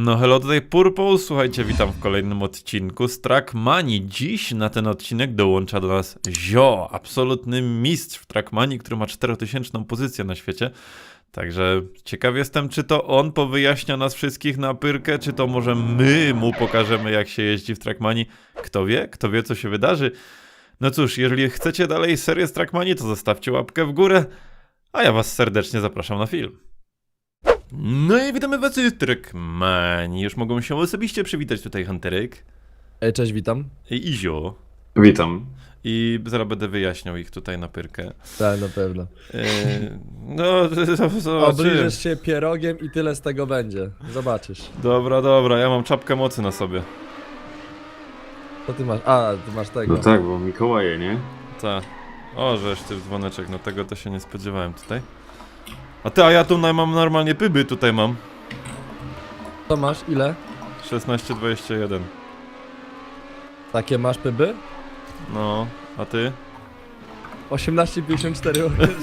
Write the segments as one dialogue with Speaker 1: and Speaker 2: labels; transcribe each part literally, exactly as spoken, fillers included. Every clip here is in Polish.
Speaker 1: No hello, tutaj Purple, słuchajcie, witam w kolejnym odcinku z Trackmanii. Dziś na ten odcinek dołącza do nas Zio, absolutny mistrz w Trackmanii, który ma czterotysięczną pozycję na świecie. Także ciekaw jestem, czy to on powyjaśnia nas wszystkich na pyrkę, czy to może my mu pokażemy, jak się jeździ w Trackmanii. Kto wie, kto wie, co się wydarzy. No cóż, jeżeli chcecie dalej serię z Trackmanii, to zostawcie łapkę w górę, a ja was serdecznie zapraszam na film. No i witamy was z Trackmanii. Już mogą się osobiście przywitać tutaj Hunterek
Speaker 2: Ej, cześć, witam.
Speaker 1: i Izio.
Speaker 3: Witam.
Speaker 1: I zaraz będę wyjaśniał ich tutaj na pyrkę.
Speaker 2: Tak, na pewno.
Speaker 1: Yy, no, zobaczymy.
Speaker 2: Obliżesz się pierogiem i tyle z tego będzie. Zobaczysz.
Speaker 1: Dobra, dobra, ja mam czapkę mocy na sobie.
Speaker 2: Co ty masz? A, ty masz tego.
Speaker 3: No tak, bo Mikołaje, nie?
Speaker 1: Ta. O, żeś ty dzwoneczek, no tego to się nie spodziewałem tutaj. A ty, a ja tu mam normalnie pyby, tutaj mam.
Speaker 2: Co masz? Ile?
Speaker 1: szesnaście dwadzieścia jeden.
Speaker 2: Takie masz pyby?
Speaker 1: No, a ty?
Speaker 2: osiemnaście pięćdziesiąt cztery.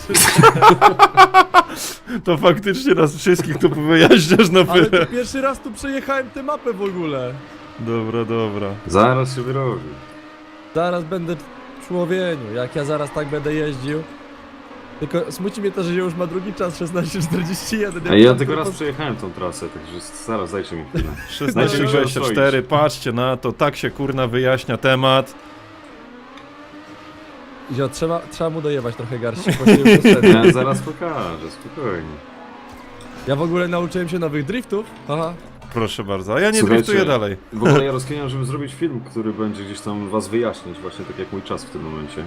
Speaker 1: To faktycznie nas wszystkich tu wyjaśniasz na
Speaker 2: Ale
Speaker 1: pyrę.
Speaker 2: to pierwszy raz tu przejechałem tę mapę w ogóle.
Speaker 1: Dobra, dobra.
Speaker 3: Zaraz się wyrobi.
Speaker 2: Zaraz będę w człowieniu, jak ja zaraz tak będę jeździł. Tylko smuci mnie to, że już ma drugi czas, szesnaście czterdzieści jeden.
Speaker 3: A ja tylko raz przejechałem tą trasę, także zaraz dajcie mi chwilę.
Speaker 1: szesnaście dwadzieścia cztery, patrzcie na to, tak się kurna wyjaśnia temat.
Speaker 2: Zio, trzeba, trzeba mu dojebać trochę garści, bo się już doszedł.
Speaker 3: Ja zaraz pokażę, spokojnie.
Speaker 2: Ja w ogóle nauczyłem się nowych driftów. Aha.
Speaker 1: Proszę bardzo, a ja nie
Speaker 3: Słuchajcie,
Speaker 1: driftuję dalej.
Speaker 3: W ogóle ja rozkminiam, żeby zrobić film, który będzie gdzieś tam was wyjaśnić, właśnie tak jak mój czas w tym momencie.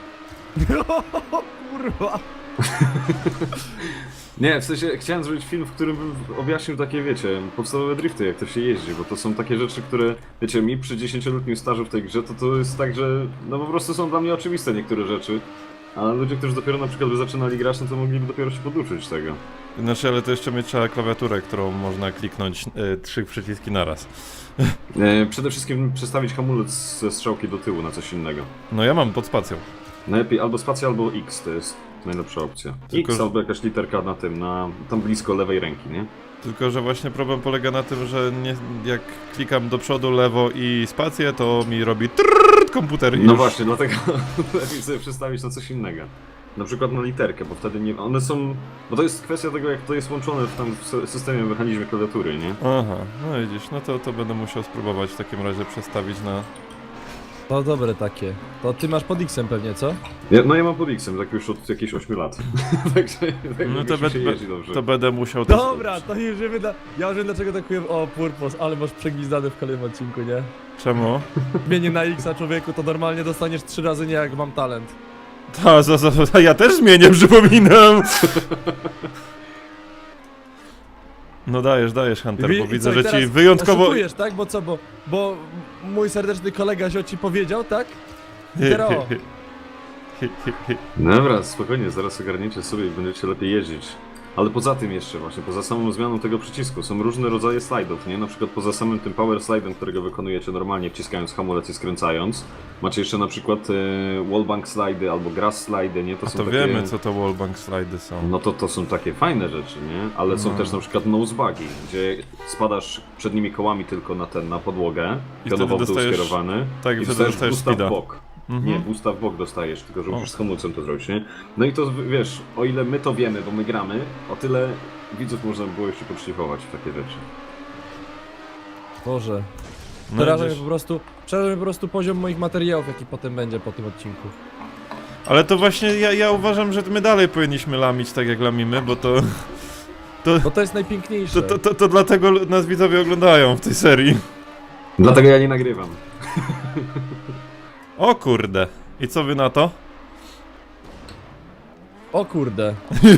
Speaker 2: Kurwa.
Speaker 3: Nie, w sensie chciałem zrobić film, w którym bym objaśnił takie, wiecie, podstawowe drifty, jak to się jeździ, bo to są takie rzeczy, które, wiecie, mi przy dziesięcioletnim stażu w tej grze, to to jest tak, że no po prostu są dla mnie oczywiste niektóre rzeczy, a ludzie, którzy dopiero na przykład by zaczynali grać, no to mogliby dopiero się poduczyć tego.
Speaker 1: Znaczy, ale to jeszcze mieć trzeba klawiaturę, którą można kliknąć y, trzy przyciski naraz.
Speaker 3: E, przede wszystkim przestawić hamulec ze strzałki do tyłu na coś innego.
Speaker 1: No ja mam pod spacją.
Speaker 3: Najlepiej albo spacja, albo X, to jest najlepsza opcja.
Speaker 1: Tylko,
Speaker 3: X
Speaker 1: że-
Speaker 3: albo jakaś literka na tym, na tam blisko lewej ręki, nie?
Speaker 1: Tylko że właśnie problem polega na tym, że nie, jak klikam do przodu, lewo i spację, to mi robi trrrr komputer i
Speaker 3: No
Speaker 1: już...
Speaker 3: właśnie, dlatego lepiej sobie przestawić na coś innego. Na przykład na literkę, bo wtedy nie... One są... Bo to jest kwestia tego, jak to jest łączone w tam w sy- systemie, mechanizmie klawiatury, nie?
Speaker 1: Aha, no widzisz, no to, to będę musiał spróbować w takim razie przestawić na...
Speaker 2: To dobre takie. To ty masz pod X-em pewnie, co?
Speaker 3: Ja, no ja mam pod X-em, tak już od jakichś ośmiu lat. Także tak
Speaker 1: No
Speaker 3: no
Speaker 1: to,
Speaker 3: to
Speaker 1: be,
Speaker 3: się
Speaker 1: be,
Speaker 3: jeździ dobrze.
Speaker 1: to będę musiał... to
Speaker 2: Dobra, to już wiemy, dla... ja już wiem dlaczego tak powiem, o Purpos, ale masz przegwizdany w kolejnym odcinku, nie?
Speaker 1: Czemu?
Speaker 2: Zmienię na X-a człowieku, to normalnie dostaniesz trzy razy nie, jak mam talent.
Speaker 1: Ta, za, za, za, ja też zmienię, przypominam! No dajesz, dajesz Hunter,
Speaker 2: Wi-
Speaker 1: bo
Speaker 2: i
Speaker 1: widzę,
Speaker 2: co, i
Speaker 1: że ci
Speaker 2: teraz
Speaker 1: wyjątkowo...
Speaker 2: Oszukujesz, tak? Bo co, bo, bo mój serdeczny kolega Zio ci powiedział, tak? I teraz o.
Speaker 3: Dobra, spokojnie, zaraz ogarniecie sobie i będziecie lepiej jeździć. Ale poza tym jeszcze właśnie, poza samą zmianą tego przycisku, są różne rodzaje slajdów, nie? Na przykład poza samym tym power slidem, którego wykonujecie normalnie wciskając hamulec i skręcając. Macie jeszcze na przykład e, wallbank slidy albo grass slidy, nie? To
Speaker 1: A
Speaker 3: są
Speaker 1: to
Speaker 3: takie...
Speaker 1: wiemy, co to wallbang slidy są.
Speaker 3: No to to są takie fajne rzeczy, nie? Ale są
Speaker 1: No.
Speaker 3: też na przykład nosebugi, gdzie spadasz przednimi kołami tylko na ten, na podłogę,
Speaker 1: I
Speaker 3: pionowo w
Speaker 1: wtedy
Speaker 3: dół
Speaker 1: dostajesz-
Speaker 3: skierowany
Speaker 1: tak, i
Speaker 3: i
Speaker 1: wtedy
Speaker 3: dostajesz
Speaker 1: dostajesz
Speaker 3: boosta w
Speaker 1: speeda.
Speaker 3: bok.
Speaker 1: Mhm.
Speaker 3: Nie, boosta w bok dostajesz, tylko że
Speaker 1: O.
Speaker 3: musisz z hamulcem to zrobić, nie? No i to, wiesz, o ile my to wiemy, bo my gramy, o tyle widzów można by było jeszcze podszlifować w takie rzeczy.
Speaker 2: Boże.
Speaker 1: No
Speaker 2: Przeraża mnie
Speaker 1: widzisz.
Speaker 2: po prostu, przeraża mnie po prostu poziom moich materiałów, jaki potem będzie po tym odcinku.
Speaker 1: Ale to właśnie ja, ja uważam, że my dalej powinniśmy lamić tak jak lamimy, bo to... To,
Speaker 2: Bo to jest najpiękniejsze.
Speaker 1: to, to, to, to dlatego nas widzowie oglądają w tej serii.
Speaker 3: Dlatego ja nie nagrywam.
Speaker 1: O kurde. I co wy na to?
Speaker 2: O kurde.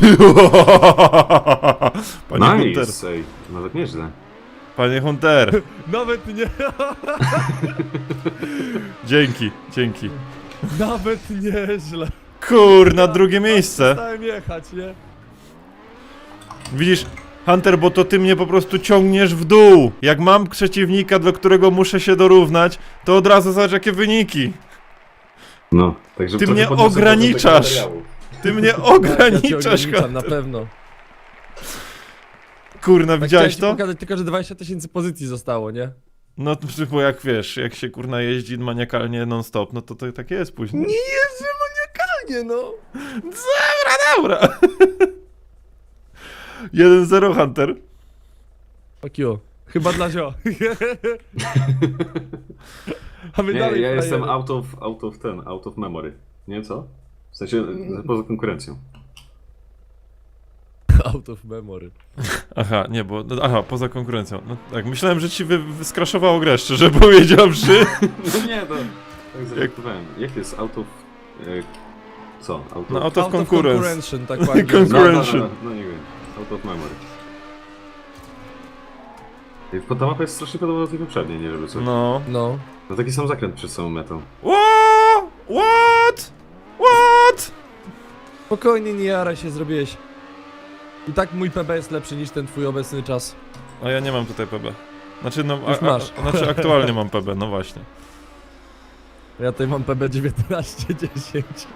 Speaker 1: Panie Hunter.
Speaker 3: Nice, ej, nawet nieźle.
Speaker 1: Panie Hunter.
Speaker 2: Nawet nie,
Speaker 1: Dzięki, dzięki.
Speaker 2: nawet nieźle.
Speaker 1: Kurna, drugie miejsce.
Speaker 2: Stałem jechać, nie?
Speaker 1: Widzisz, Hunter, bo to ty mnie po prostu ciągniesz w dół. Jak mam przeciwnika, do którego muszę się dorównać, to od razu zobacz jakie wyniki.
Speaker 3: No, także
Speaker 1: Ty
Speaker 3: trochę
Speaker 1: mnie
Speaker 3: podniosę
Speaker 1: ograniczasz.
Speaker 3: poziom tego materiału.
Speaker 1: Ty mnie
Speaker 2: Ja cię
Speaker 1: ograniczasz,
Speaker 2: ograniczam,
Speaker 1: Hunter.
Speaker 2: na pewno.
Speaker 1: Kurna,
Speaker 2: Tak
Speaker 1: widziałeś
Speaker 2: chciałem ci
Speaker 1: to?
Speaker 2: pokazać tylko, że dwadzieścia tysięcy pozycji zostało, nie?
Speaker 1: No to bo jak wiesz, jak się kurna jeździ maniakalnie non-stop, no to, to tak jest później.
Speaker 2: Nie jeżdżę maniakalnie, no!
Speaker 1: Dobra, dobra. jeden zero Hunter.
Speaker 2: Fuck you. Chyba dla zio. A my
Speaker 3: Nie,
Speaker 2: dalej
Speaker 3: ja jestem
Speaker 2: frajery.
Speaker 3: out of, out of ten, out of memory. Nie, co? W sensie, poza konkurencją.
Speaker 2: Out of memory.
Speaker 1: Aha, nie, bo... no, aha, poza konkurencją. No tak, myślałem, że ci wy, wyskraszowało grę, szczerze powiedziawszy.
Speaker 3: No nie, to... Tak zareagowałem. Jak jest out of... E, co? Out of...
Speaker 1: No, out of
Speaker 2: Out of
Speaker 1: concurrence.
Speaker 2: concurrention, tak ładnie.
Speaker 1: Concur-
Speaker 3: no, no, no,
Speaker 1: concurrention.
Speaker 3: no, no nie wiem. Out of memory. I ta mapa jest strasznie podobna do tej poprzedniej, nie żeby coś. No.
Speaker 1: No.
Speaker 2: No.
Speaker 3: taki sam zakręt przed samą metą.
Speaker 1: What? What? What?
Speaker 2: Spokojnie, nie jaraj się, zrobiłeś. I tak mój P B jest lepszy niż ten twój obecny czas.
Speaker 1: A ja nie mam tutaj P B. Znaczy, no...
Speaker 2: Już
Speaker 1: A,
Speaker 2: masz.
Speaker 1: a, znaczy, aktualnie mam P B, no właśnie.
Speaker 2: Ja tutaj mam P B dziewiętnaście dziesięć.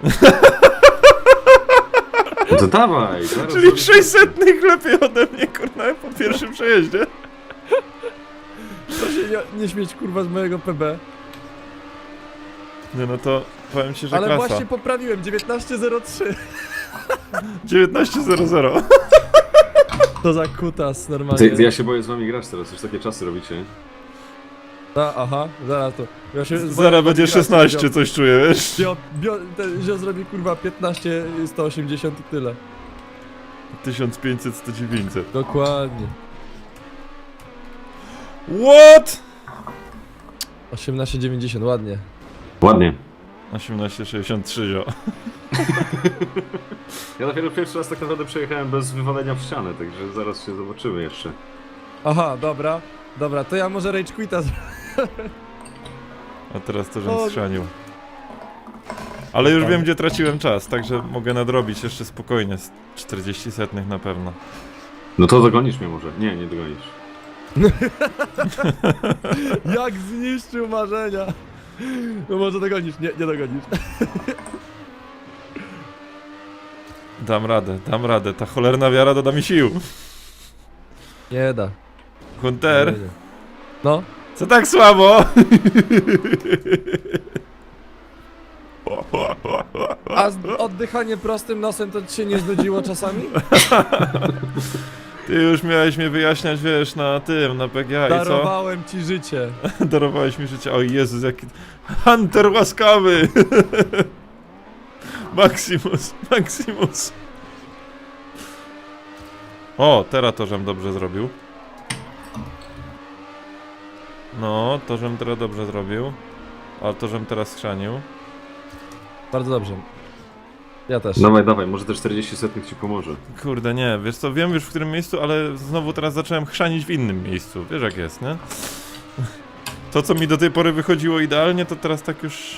Speaker 3: No to dawaj! zaraz
Speaker 1: Czyli
Speaker 3: zrobię-
Speaker 1: sześćsetnych lepiej ode mnie, kurna, po pierwszym przejeździe.
Speaker 2: Proszę nie, nie śmieć kurwa z mojego P B.
Speaker 1: Nie, no to powiem ci, że
Speaker 2: Ale
Speaker 1: klasa.
Speaker 2: właśnie poprawiłem, dziewiętnaście zero trzy.
Speaker 1: dziewiętnaście zero zero.
Speaker 2: To za kutas normalnie.
Speaker 3: Ty, ty, ja się boję z wami grać teraz, już takie czasy robicie.
Speaker 2: A, aha, zaraz to. Ja się
Speaker 1: Zaraz będzie szesnaście, coś czuję, wiesz?
Speaker 2: Bio, bio, ten zio zrobi kurwa piętnaście sto osiemdziesiąt i tyle.
Speaker 1: tysiąc pięćset, sto dziewięćset.
Speaker 2: Dokładnie.
Speaker 1: What?
Speaker 2: osiemnaście dziewięćdziesiąt, ładnie.
Speaker 3: Ładnie.
Speaker 1: osiemnaście sześćdziesiąt trzy, zio.
Speaker 3: Ja dopiero pierwszy raz tak naprawdę przejechałem bez wywalenia w ścianę, także zaraz się zobaczymy jeszcze.
Speaker 2: Aha, dobra. Dobra, to ja może rage quita zrobię.
Speaker 1: A teraz to, żem
Speaker 2: O.
Speaker 1: schrzanił. Ale już
Speaker 2: Tam.
Speaker 1: wiem, gdzie traciłem czas, także mogę nadrobić jeszcze spokojnie. z czterdzieści setnych na pewno.
Speaker 3: No to dogonisz mnie może. Nie, nie dogonisz.
Speaker 2: Jak zniszczył marzenia. No może dogonisz, nie, nie dogonisz.
Speaker 1: Dam radę, dam radę. Ta cholerna wiara doda mi sił.
Speaker 2: Nie da.
Speaker 1: Hunter,
Speaker 2: No.
Speaker 1: co tak słabo?
Speaker 2: A z- oddychanie prostym nosem to ci się nie znudziło czasami?
Speaker 1: Ty już miałeś mnie wyjaśniać, wiesz, na tym, na P G A i co?
Speaker 2: Darowałem ci życie.
Speaker 1: Darowałeś mi życie. O Jezus, jaki... Hunter łaskawy! Maximus, Maximus. O, teraz to, żem dobrze zrobił. No, to, żem teraz dobrze zrobił. A to, żem teraz schrzanił.
Speaker 2: Bardzo dobrze. Ja też.
Speaker 3: Dawaj, dawaj, może te czterdzieści setnych ci pomoże.
Speaker 1: Kurde, nie, wiesz co, wiem już w którym miejscu, ale znowu teraz zacząłem chrzanić w innym miejscu. Wiesz jak jest, nie? To, co mi do tej pory wychodziło idealnie, to teraz tak już...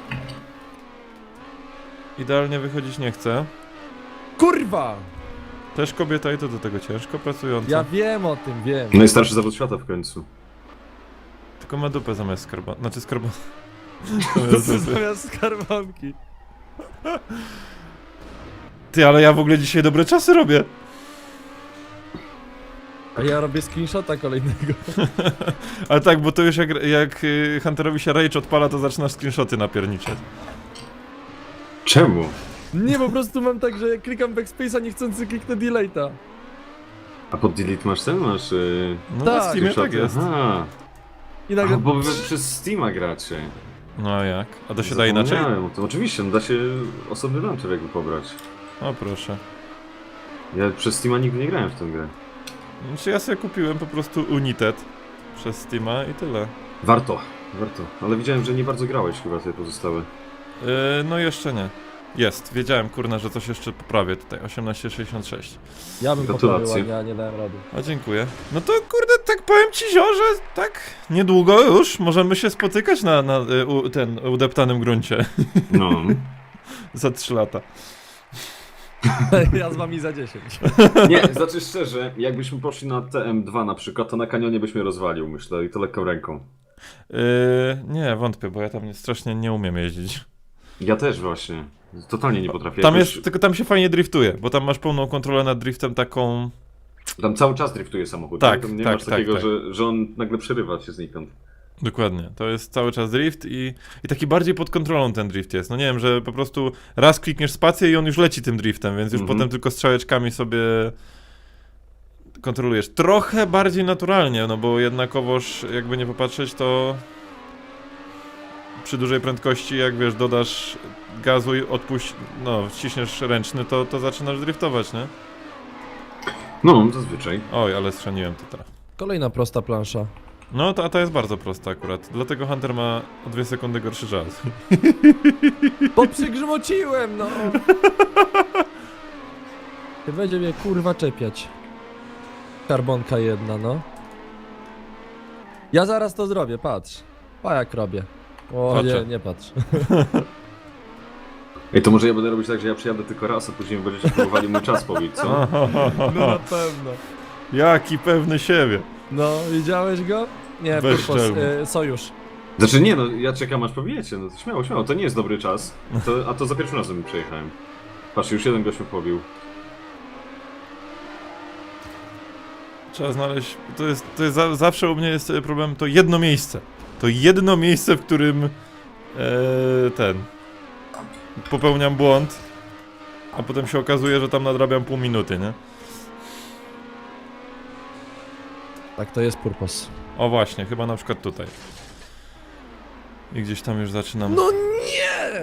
Speaker 1: Idealnie wychodzić nie chce.
Speaker 2: Kurwa!
Speaker 1: Też kobieta i to do tego ciężko pracująca.
Speaker 2: Ja wiem o tym, wiem.
Speaker 3: Najstarszy zawód świata w końcu.
Speaker 1: Tylko ma dupę zamiast skarbon... Znaczy skarbon... zamiast dupy.
Speaker 2: Zamiast skarbonki.
Speaker 1: Ty, ale ja w ogóle dzisiaj dobre czasy robię.
Speaker 2: A ja robię screenshota kolejnego.
Speaker 1: Ale tak, bo to już jak, jak y, Hunterowi się rage odpala, to zaczynasz screenshoty napierniczać.
Speaker 3: Czemu?
Speaker 2: Nie, po prostu mam tak, że jak klikam backspace'a niechcący kliknę delete'a.
Speaker 3: A pod delete masz ten? Masz... Yy...
Speaker 1: No
Speaker 2: Tak.
Speaker 1: na Steamie tak
Speaker 3: screenshoty?
Speaker 1: jest.
Speaker 3: Aha.
Speaker 2: I
Speaker 3: A,
Speaker 2: nagle...
Speaker 3: bo wy przez Steama gracie.
Speaker 1: No a jak? A to się da inaczej?
Speaker 3: Zapomniałem. To oczywiście, no da się osobny launcher jakby pobrać.
Speaker 1: O proszę.
Speaker 3: Ja przez Steama nigdy nie grałem w tę grę.
Speaker 1: Znaczy ja sobie kupiłem po prostu United przez Steama i tyle.
Speaker 3: Warto, warto. Ale widziałem, że nie bardzo grałeś chyba te pozostałe.
Speaker 1: Yy, no jeszcze nie. Jest, wiedziałem kurna, że coś jeszcze poprawię tutaj, osiemnaście sześćdziesiąt sześć.
Speaker 2: Ja bym poprawił,
Speaker 3: Gratulacje.
Speaker 2: a nie, a nie dałem rady.
Speaker 1: A dziękuję. No to kurde, tak powiem ci zio, że tak niedługo już możemy się spotykać na, na y, u, ten udeptanym gruncie.
Speaker 3: No.
Speaker 1: Za trzy lata.
Speaker 2: Ja z wami za dziesięć.
Speaker 3: Nie, znaczy szczerze, jakbyśmy poszli na T M dwa na przykład, to na kanionie byś mnie rozwalił, myślę, i to lekką ręką.
Speaker 1: Yy, nie, wątpię, bo ja tam nie, strasznie nie umiem jeździć.
Speaker 3: Ja też właśnie. Totalnie nie potrafię.
Speaker 1: Tam
Speaker 3: jakoś-
Speaker 1: jest, tylko tam się fajnie driftuje, bo tam masz pełną kontrolę nad driftem taką...
Speaker 3: Tam cały czas driftuje samochód.
Speaker 1: Tak,
Speaker 3: nie? Tam nie
Speaker 1: tak,
Speaker 3: masz
Speaker 1: tak,
Speaker 3: takiego,
Speaker 1: tak.
Speaker 3: Że, że on nagle przerywa się znikąd.
Speaker 1: Dokładnie, to jest cały czas drift i, i taki bardziej pod kontrolą ten drift jest. No nie wiem, że po prostu raz klikniesz spację i on już leci tym driftem, więc już
Speaker 3: Mhm.
Speaker 1: potem tylko strzałeczkami sobie kontrolujesz. Trochę bardziej naturalnie, no bo jednakowoż jakby nie popatrzeć, to przy dużej prędkości, jak wiesz, dodasz gazu i odpuść, no, ściśniesz ręczny, to, to zaczynasz driftować, nie?
Speaker 3: No, zazwyczaj.
Speaker 1: Oj, ale strzeliłem to teraz.
Speaker 2: Kolejna prosta plansza.
Speaker 1: No, ta, ta jest bardzo prosta akurat, dlatego Hunter ma o dwie sekundy gorszy czas.
Speaker 2: Bo przygrzmociłem, no! Ty będzie mnie kurwa czepiać. Karbonka jedna, no. Ja zaraz to zrobię, patrz. Pa jak robię. O
Speaker 1: Patrzę.
Speaker 2: nie, nie patrz.
Speaker 3: Ej, to może ja będę robić tak, że ja przyjadę tylko raz, a później będziecie próbowali mój czas pobić, co?
Speaker 2: No na pewno.
Speaker 1: Jaki pewny siebie.
Speaker 2: No, widziałeś go? Nie,
Speaker 1: Bez
Speaker 2: Purpos,
Speaker 1: szczelmy.
Speaker 2: y, sojusz.
Speaker 3: Znaczy nie, no ja czekam aż pobijecie, no to śmiało, śmiało, to nie jest dobry czas. To, a to za pierwszym razem mi przejechałem. Patrz, już jeden gość mnie pobił.
Speaker 1: Trzeba znaleźć, to jest, to jest za, zawsze u mnie jest problem, to jedno miejsce. To jedno miejsce, w którym e, ten, popełniam błąd, a potem się okazuje, że tam nadrabiam pół minuty, nie?
Speaker 2: Tak, to jest Purpos.
Speaker 1: O właśnie, chyba na przykład tutaj. I gdzieś tam już zaczynam...
Speaker 2: No nie!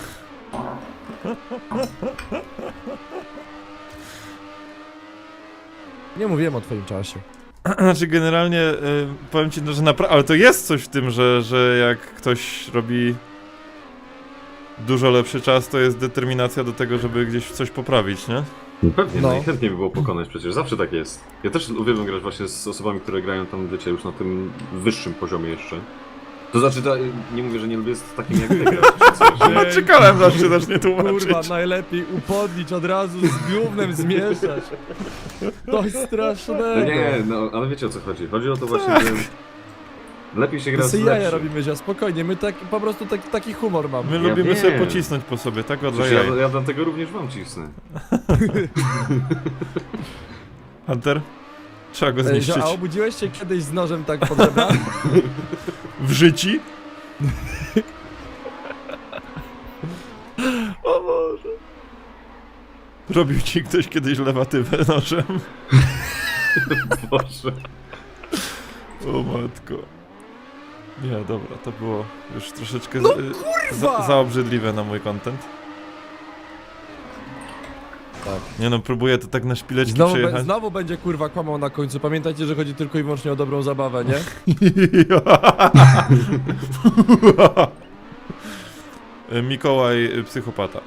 Speaker 2: Nie mówiłem o twoim czasie.
Speaker 1: Znaczy generalnie y, powiem ci, no, że naprawdę, ale to jest coś w tym, że, że jak ktoś robi dużo lepszy czas, to jest determinacja do tego, żeby gdzieś coś poprawić, nie?
Speaker 3: No pewnie,
Speaker 2: No.
Speaker 3: najchętniej by było pokonać przecież, zawsze tak jest. Ja też uwielbiam grać właśnie z osobami, które grają tam, wiecie, już na tym wyższym poziomie jeszcze. To znaczy, to, nie mówię, że nie lubię z takim jak wy grać, czy coś.
Speaker 1: No, czekałem, aż się zacznie tłumaczyć.
Speaker 2: Kurwa, najlepiej upodlić, od razu z gównem zmieszać. To jest strasznego.
Speaker 3: No nie, no, ale wiecie o co chodzi. Chodzi o to właśnie, że lepiej się gra
Speaker 2: To
Speaker 3: z
Speaker 2: sobie jaja
Speaker 3: lepszym.
Speaker 2: robimy, że spokojnie, my tak, po prostu tak, taki humor mamy.
Speaker 1: My
Speaker 3: Ja
Speaker 1: lubimy
Speaker 3: wiem.
Speaker 1: sobie pocisnąć po sobie, tak od
Speaker 3: Przecież ja,
Speaker 1: jaj.
Speaker 3: ja dlatego również wam cisnę.
Speaker 1: Hunter? Trzeba go
Speaker 2: Ej,
Speaker 1: zniszczyć.
Speaker 2: że- A obudziłeś się kiedyś z nożem tak pod żebra?
Speaker 1: W życiu?
Speaker 2: O Boże.
Speaker 1: Robił ci ktoś kiedyś lewatywę nożem?
Speaker 3: Boże.
Speaker 1: O matko. Nie, dobra, to było już troszeczkę
Speaker 2: No
Speaker 1: z, y,
Speaker 2: kurwa!
Speaker 1: za, za obrzydliwe na mój content.
Speaker 2: Tak.
Speaker 1: Nie no, próbuję to tak na szpileczki
Speaker 2: Znowu, be,
Speaker 1: przejechać.
Speaker 2: znowu będzie kurwa kłamał na końcu. Pamiętajcie, że chodzi tylko i wyłącznie o dobrą zabawę, nie?
Speaker 1: Mikołaj y, psychopata.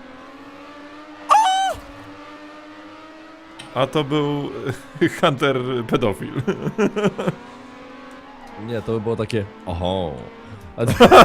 Speaker 1: A to był y, Hunter pedofil.
Speaker 2: Nie, to by było takie. Oho. A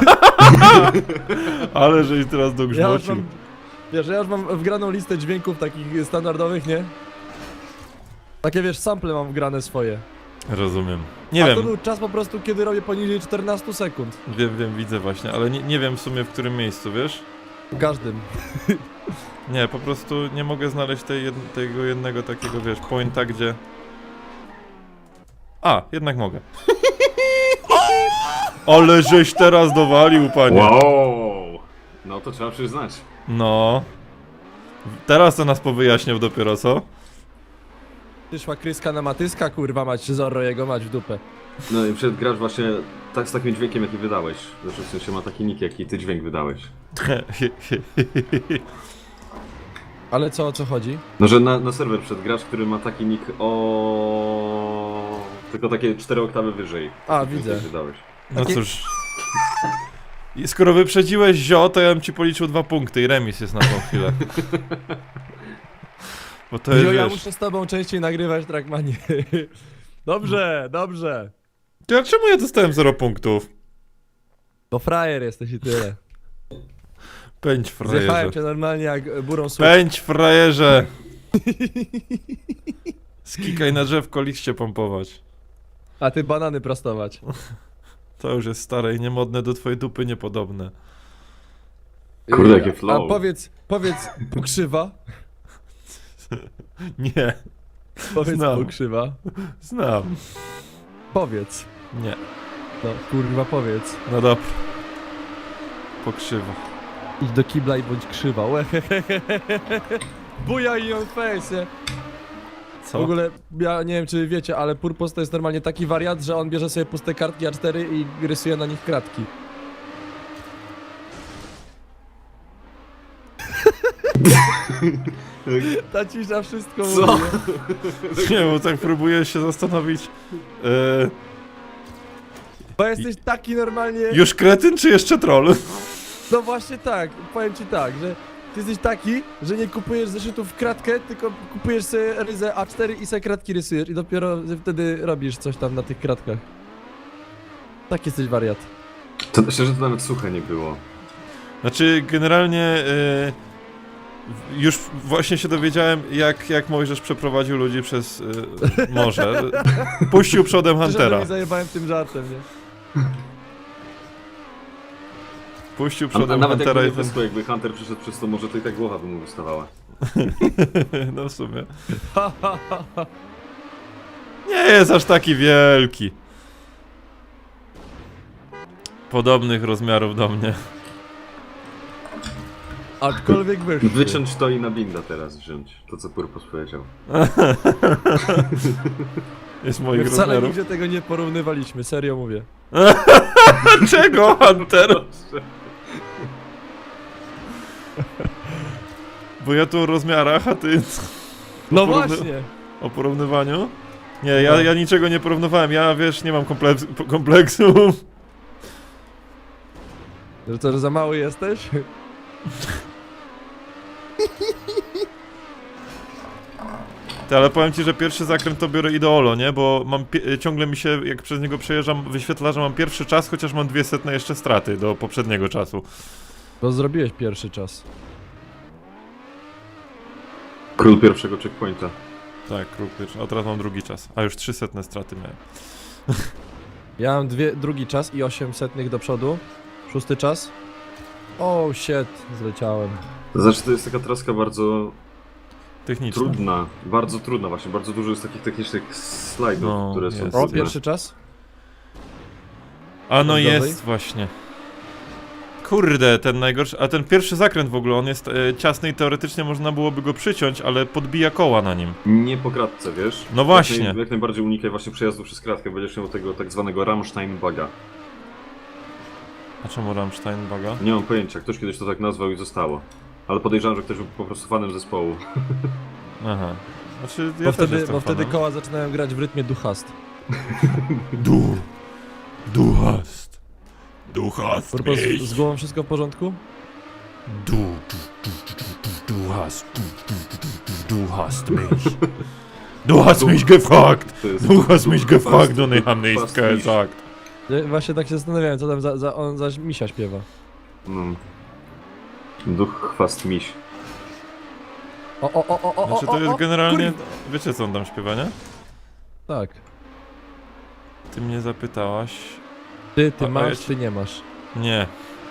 Speaker 1: Ale żeś teraz
Speaker 2: ja już
Speaker 1: dogrzmocił.
Speaker 2: mam, wiesz, ja już mam wgraną listę dźwięków takich standardowych, nie? Takie wiesz, sample mam wgrane swoje.
Speaker 1: Rozumiem. Nie
Speaker 2: A
Speaker 1: wiem,
Speaker 2: to był czas po prostu, kiedy robię poniżej czternastu sekund.
Speaker 1: wiem, wiem, widzę właśnie, ale nie, nie wiem w sumie w którym miejscu, wiesz?
Speaker 2: W każdym.
Speaker 1: Nie, po prostu nie mogę znaleźć tej jed tego jednego takiego, wiesz, pointa, gdzie... A, jednak mogę. Ale żeś teraz dowalił, panie.
Speaker 3: Wow! No to trzeba przyznać.
Speaker 1: No. Teraz to nas powyjaśniał dopiero, co?
Speaker 2: Ty szła kryska na matyska, kurwa mać, Zorro jego mać w dupę.
Speaker 3: No i przed grasz właśnie tak z takim dźwiękiem, jaki wydałeś. Znaczy w sensie ma taki nick, jaki ty dźwięk wydałeś.
Speaker 2: Ale co, o co chodzi?
Speaker 3: No, że na, na serwer przed grasz, który ma taki nick o tylko takie cztery oktawy wyżej.
Speaker 2: A,
Speaker 3: Taki
Speaker 2: widzę.
Speaker 3: dźwięk wydałeś.
Speaker 1: No
Speaker 2: Takie-
Speaker 1: cóż. I skoro wyprzedziłeś zio, to ja bym ci policzył dwa punkty i remis jest na tą chwilę. Bo to jest,
Speaker 2: Jo, ja
Speaker 1: wiesz...
Speaker 2: muszę z tobą częściej nagrywać Trackmanie. Dobrze, dobrze.
Speaker 1: Ja, czemu ja dostałem zero punktów?
Speaker 2: Bo frajer jesteś i tyle.
Speaker 1: Pędź,
Speaker 2: Zjechałem
Speaker 1: frajerze.
Speaker 2: cię normalnie jak burą słup.
Speaker 1: Pędź, frajerze! Skikaj na drzewko, liście pompować.
Speaker 2: A ty banany prostować.
Speaker 1: To już jest stare i niemodne, do twojej dupy niepodobne.
Speaker 3: Kurde, jakie flow.
Speaker 2: A powiedz, powiedz, pokrzywa.
Speaker 1: Nie.
Speaker 2: Powiedz
Speaker 1: Znam.
Speaker 2: pokrzywa.
Speaker 1: Znam.
Speaker 2: Powiedz.
Speaker 1: Nie.
Speaker 2: No, kurwa, powiedz.
Speaker 1: No dobra. Pokrzywa.
Speaker 2: Idź do kibla i bądź krzywa. Buja i on face, nie?
Speaker 1: Co?
Speaker 2: W ogóle, ja nie wiem czy wiecie, ale Purpos to jest normalnie taki wariat, że on bierze sobie puste kartki A cztery i rysuje na nich kratki. Ta cisza wszystko
Speaker 3: Co?
Speaker 2: mówi. nie?
Speaker 1: Nie, bo tak próbuję się zastanowić. E,
Speaker 2: Bo jesteś taki normalnie...
Speaker 1: już kretyn, czy jeszcze troll?
Speaker 2: No właśnie tak, powiem ci tak, że ty jesteś taki, że nie kupujesz zeszytów w kratkę, tylko kupujesz sobie ryzę A cztery i sobie kratki rysujesz i dopiero wtedy robisz coś tam na tych kratkach. Tak jesteś wariat.
Speaker 3: To myślę, że to nawet suche nie było.
Speaker 1: Znaczy, generalnie e, już właśnie się dowiedziałem, jak, jak Mojżesz przeprowadził ludzi przez e, morze. Puścił przodem
Speaker 2: Huntera.
Speaker 1: Huntera.
Speaker 2: Nie zajebałem tym żartem, nie?
Speaker 1: Puścił
Speaker 3: A, a
Speaker 1: przodem
Speaker 3: nawet
Speaker 1: Huntera
Speaker 3: jakby
Speaker 1: i
Speaker 3: nie
Speaker 1: ten...
Speaker 3: wyschło, jakby Hunter przyszedł przez to, może to i tak głowa by mu wystawała.
Speaker 1: No w sumie. Nie jest aż taki wielki. Podobnych rozmiarów do mnie.
Speaker 2: Aczkolwiek wyższy.
Speaker 3: Wyciąć to i na binda teraz wziąć. To co Purpos powiedział.
Speaker 1: Jest
Speaker 2: My
Speaker 1: moich
Speaker 2: wcale
Speaker 1: rozmiarów.
Speaker 2: nigdzie tego nie porównywaliśmy, serio mówię.
Speaker 1: Czego, Hunter? Bo ja tu o rozmiarach, a ty
Speaker 2: No
Speaker 1: porówny-
Speaker 2: właśnie!
Speaker 1: o porównywaniu? Nie, ja,
Speaker 2: No.
Speaker 1: ja niczego nie porównywałem, ja wiesz, nie mam kompleks, kompleksu.
Speaker 2: Że co, że za mały jesteś?
Speaker 1: Ty, ale powiem ci, że pierwszy zakręt to biorę ideolo, nie? Bo mam pie- ciągle mi się, jak przez niego przejeżdżam, wyświetla, że mam pierwszy czas, chociaż mam dwie setne jeszcze straty do poprzedniego czasu.
Speaker 2: Bo zrobiłeś pierwszy czas.
Speaker 3: Król pierwszego checkpointa.
Speaker 1: Tak, kruk pierwszy, a teraz mam drugi czas, a już trzy setne straty miałem.
Speaker 2: Ja mam dwie, drugi czas i osiem setnych do przodu. Szósty czas. Oh shit, zleciałem.
Speaker 3: To znaczy to jest taka traska bardzo
Speaker 1: Technicznie.
Speaker 3: trudna. Bardzo trudna właśnie. Bardzo dużo jest takich technicznych slajdów,
Speaker 1: No,
Speaker 3: które są
Speaker 1: jest.
Speaker 2: O,
Speaker 3: trudne.
Speaker 2: pierwszy czas?
Speaker 1: A no
Speaker 2: Gorzej?
Speaker 1: jest właśnie. Kurde, ten najgorszy, a ten pierwszy zakręt w ogóle, on jest e, ciasny i teoretycznie można byłoby go przyciąć, ale podbija koła na nim.
Speaker 3: Nie po kratce, wiesz?
Speaker 1: No właśnie.
Speaker 3: Jak, naj, jak najbardziej unikaj właśnie przejazdu przez kratkę. Będziesz miał tego tak zwanego Rammstein buga.
Speaker 1: A czemu Rammstein baga?
Speaker 3: Nie mam pojęcia. Ktoś kiedyś to tak nazwał i zostało. Ale podejrzewam, że ktoś był po prostu fanem zespołu.
Speaker 1: Aha. Znaczy, ja
Speaker 2: Bo
Speaker 1: też
Speaker 2: wtedy,
Speaker 1: jestem
Speaker 2: bo wtedy
Speaker 1: fanem.
Speaker 2: koła zaczynają grać w rytmie duchast.
Speaker 1: Du. Duchast. Duchast.
Speaker 2: Purpos, z głową wszystko w porządku?
Speaker 1: Du. Du. Du. Du. Du. Duchast. Du. Du. Du. Du. Du hast mich. Du hast mich gefragt.
Speaker 3: To jest
Speaker 1: Du hast mich
Speaker 3: Duch
Speaker 1: gefragt
Speaker 3: fast-
Speaker 1: und ich hab
Speaker 3: Duch
Speaker 1: nichts
Speaker 3: fast mich.
Speaker 1: gesagt.
Speaker 2: Ja właśnie tak się zastanawiałem, co tam za, za, on za misia śpiewa.
Speaker 3: No. Duch chwast miś.
Speaker 2: O, o, o, o, o,
Speaker 1: Znaczy
Speaker 2: o,
Speaker 1: to jest
Speaker 2: o,
Speaker 1: generalnie...
Speaker 2: kurwa.
Speaker 1: Wiecie co on tam śpiewa, nie?
Speaker 2: Tak.
Speaker 1: Ty mnie zapytałaś...
Speaker 2: Ty, ty
Speaker 1: A- a
Speaker 2: masz,
Speaker 1: ja ci-
Speaker 2: ty nie masz.
Speaker 1: Nie.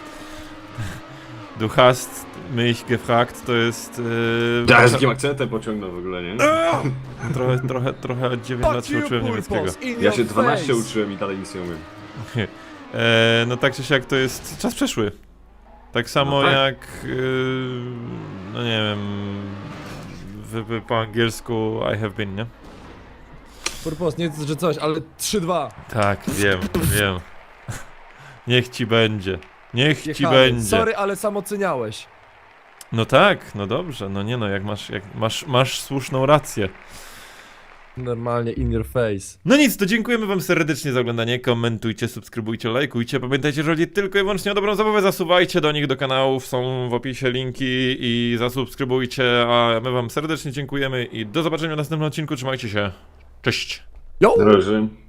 Speaker 1: Du hast mich gefragt, to jest... Yy,
Speaker 3: Ja z jakim akcentem pociągnął w ogóle, nie?
Speaker 1: trochę, trochę, trochę od dziewięć lat się uczyłem niemieckiego.
Speaker 3: Ja się dwanaście uczyłem i dalej nic nie umiem.
Speaker 1: E, no tak czy siak to jest czas przeszły. Tak samo
Speaker 3: No tak.
Speaker 1: jak... Yy, no nie wiem... W, w, po angielsku I have been, nie?
Speaker 2: Purpos, nie że coś, ale trzy dwa.
Speaker 1: Tak, wiem, wiem. Niech ci będzie. Niech ci
Speaker 2: Jechamy.
Speaker 1: będzie.
Speaker 2: Sorry, ale sam oceniałeś.
Speaker 1: No tak, no dobrze, no nie no, jak masz, jak masz, masz słuszną rację.
Speaker 2: Normalnie in your face.
Speaker 1: No nic, to dziękujemy wam serdecznie za oglądanie, komentujcie, subskrybujcie, lajkujcie, pamiętajcie, że chodzi tylko i wyłącznie o dobrą zabawę, zasuwajcie do nich do kanałów, są w opisie linki i zasubskrybujcie, a my wam serdecznie dziękujemy i do zobaczenia w następnym odcinku, trzymajcie się, cześć!
Speaker 2: Yo!
Speaker 3: Na razie.